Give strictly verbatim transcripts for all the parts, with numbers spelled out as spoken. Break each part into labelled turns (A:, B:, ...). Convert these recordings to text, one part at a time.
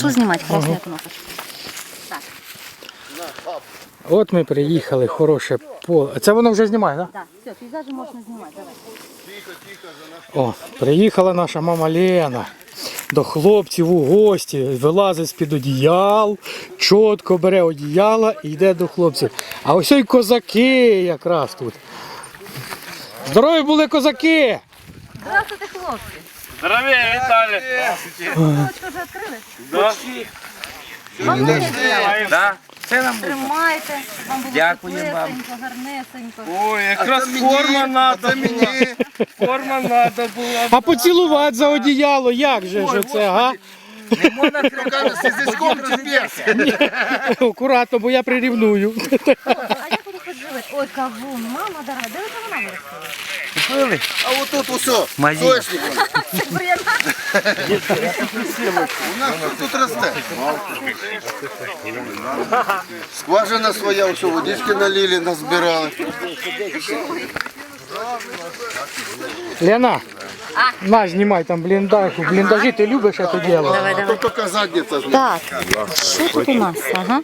A: Що знімати? Красна кнопочка. Так.
B: От ми приїхали, хороше поле. Це воно вже знімає, так?
A: Так, все, пейзажі можна знімати, давай.
B: О, приїхала наша мама Лена до хлопців у гості, вилазить з-під одіял, чітко бере одіяла і йде до хлопців. А ось і козаки якраз тут. Здорові були козаки!
A: Здравствуйте, хлопці!
C: Здравия, Віталій!
A: Кнопочку вже відкрили?
C: Да.
A: Вам не треба.
C: Да. Це нам буде.
A: Тримайте, вам було
C: Дякую вам.
A: теплесенько, гарнесенько.
C: Ой, якраз форма надо була. Форма надо була.
B: А поцілувати за одіяло, як же ж це, га?
C: Не можна руками з язичком чіпляться.
B: Акуратно, бо я прирівную.
A: А як вони тут живуть? Ой, кавун, мама дорога, де ви кавуна виростили?
D: А вот тут усе,
C: Магазин.
D: сочником.
A: Це бур'яна.
D: У нас тут, тут росте. Скважина своя, все, водички налили, назбирали.
B: Лена, на, знімай там бліндаж. У бліндажі ти любиш це діло?
A: Давай,
D: А
A: давай.
D: то тільки задниця знає.
A: Так, що тут у нас? Ага.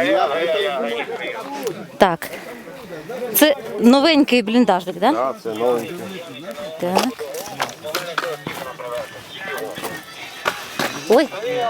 A: Так. Це новенький бліндажик, так?
D: Так, це новеньке.
A: Так. Ой.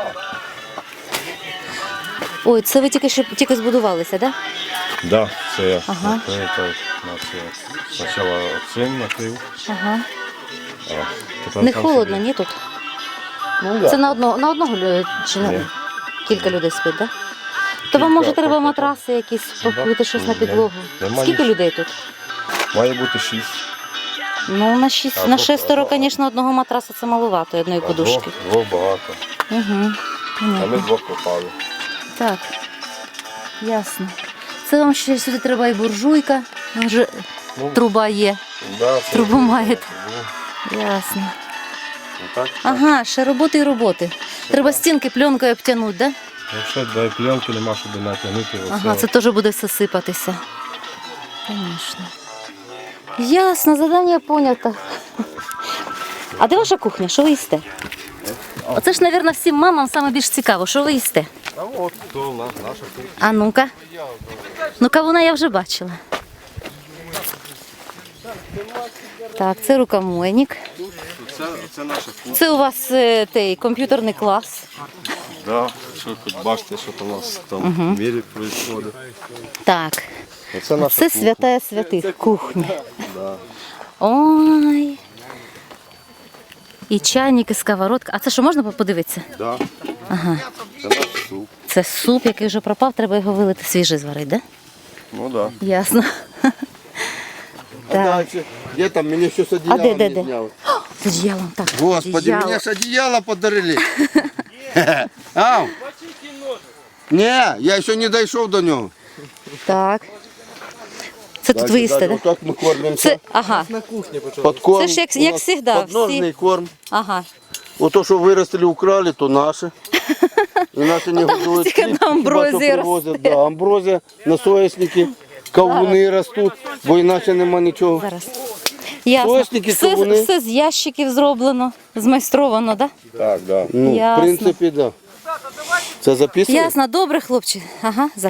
A: Ой, це ви тільки що тільки збудувалися, так?
E: Да, це я
A: Ага.
E: це, це, на це. Спочатку цим накрив,
A: Ага.
E: а тепер
A: Не
E: там
A: холодно,
E: собі.
A: ні тут?
E: Ну,
A: Це
E: да.
A: на одного, на одного лю- чи на
E: Ні.
A: кілька людей спить, так? То вам може треба матраси якісь покрити щось на підлогу.
E: Немає.
A: Скільки людей тут?
E: Має бути шість.
A: Ну, на шість,
E: Або-
A: на шестеро,
E: або-
A: звісно, одного матраса це маловато, одної
E: А
A: подушки.
E: Двох, двох багато.
A: Угу.
E: А ми
A: Понятно.
E: двох попали.
A: Так, ясно. Це вам ще сюди треба і буржуйка. Там вже
E: Ну,
A: труба є.
E: Да, це
A: Трубу
E: вже-
A: маєте.
E: Ну,
A: Ясно.
E: так.
A: Ага, ще роботи і роботи. Треба стінки пленкою обтягнути, так? Да?
E: Якщо дві пленки нема, щоб натягнути.
A: Ага, це теж буде все сипатися. Звісно. Ясно, завдання понято. А де ваша кухня? Що ви їсте? Оце ж, мабуть, всім мамам саме більш цікаво, що ви їсте?
E: А от то у нас наша кухня.
A: А ну-ка. Ну, кавуна я вже бачила. Так, це рукомойник.
E: Це, це наша кухня.
A: Це у вас е, той комп'ютерний клас.
E: Да, що тут бачите, що там у нас там в мірі відбувається.
A: Так.
E: Це наша
A: Це
E: кухня.
A: святая святих кухня.
E: Да.
A: Ой. І чайник, і сковородка. А це що, можна подивитися?
E: Да.
A: Ага.
E: Це наш суп.
A: Це суп, який вже пропав, треба його вилити свіжий зварити, так?
E: Ну да.
A: Да? Ясно.
D: А дальше? Где там? Мне еще с одеяла
A: де, де,
D: не
A: де?
D: сняли.
A: З одіялом, так.
D: Господи,
A: одіяло.
D: мне ж одеяло подарили. Ау. Не, я еще не дошел до него.
A: Так. Це тут ви їсте, так?
D: Вот так мы кормимся.
A: Це, ага.
D: Подкорм.
A: Це ж як-
D: У
A: як
D: нас
A: всегда,
D: Подножный
A: всі-
D: корм.
A: Ага.
D: Вот то, что вырастили, украли, то наши. И наши не годуют.
A: тільки на амброзії
D: Хіба що привозять, да, амброзія, насоясники, кавуни ростуть, бо іначе нема нічого.
A: Зараз. Ясно.
D: Сосники,
A: Все,
D: кавуни.
A: все з ящиків зроблено, змайстровано, так?
E: Так, да.
D: Ну, в
A: Ясно.
D: принципі, так. Да. Це записує?
A: Ясно, добре, хлопці. Ага.